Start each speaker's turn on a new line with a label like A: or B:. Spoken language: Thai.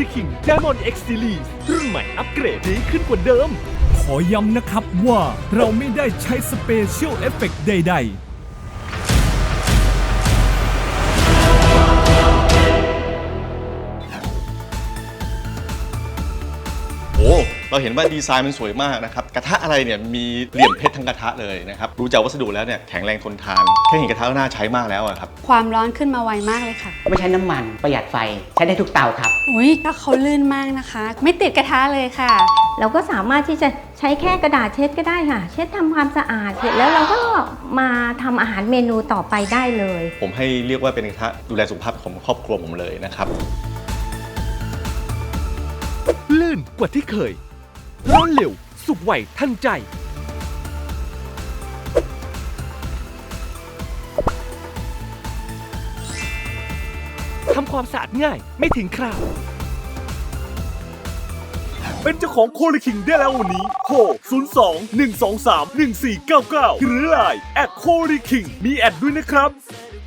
A: ลิคิง Diamond X Series รุ่นใหม่อัปเกรดดีขึ้นกว่าเดิมขอย้ำนะครับว่าเราไม่ได้ใช้สเปเชียลเอฟเฟกต์ใดๆ
B: โอ้เราเห็นว่าดีไซน์มันสวยมากนะครับกระทะอะไรเนี่ยมีเหลี่ยมเพชรทั้งกระทะเลยนะครับรู้จากวัสดุแล้วเนี่ยแข็งแรงทนทานแค่เห็นกระทะก็น่าใช้มากแล้วอะครับ
C: ความร้อนขึ้นมาไวมากเลยค่ะ
D: ไม่ใช้น้ำมันประหยัดไฟใช้ได้ทุกเตาครับ
C: อุ้ยถ้าเขาลื่นมากนะคะ ไม่ติดกระทะเลยค่ะ
E: เราก็สามารถที่จะใช้แค่กระดาษเช็ดก็ได้ค่ะ เช็ดทำความสะอาดเสร็จแล้วเราก็มาทำอาหารเมนูต่อไปได้เลย
B: ผมให้เรียกว่าเป็นกระทะดูแลสุขภาพของครอบครัวผมเลยนะครับ
A: ลื่นกว่าที่เคยร้อนเร็วสุกไวทันใจทำความสะอาดง่ายไม่ถึงคราวเป็นเจ้าของโคลิคิงได้แล้ววันนี้โทร02 123 1499 หรือไลน์แอดโคลิคิงมีแอดด้วยนะครับ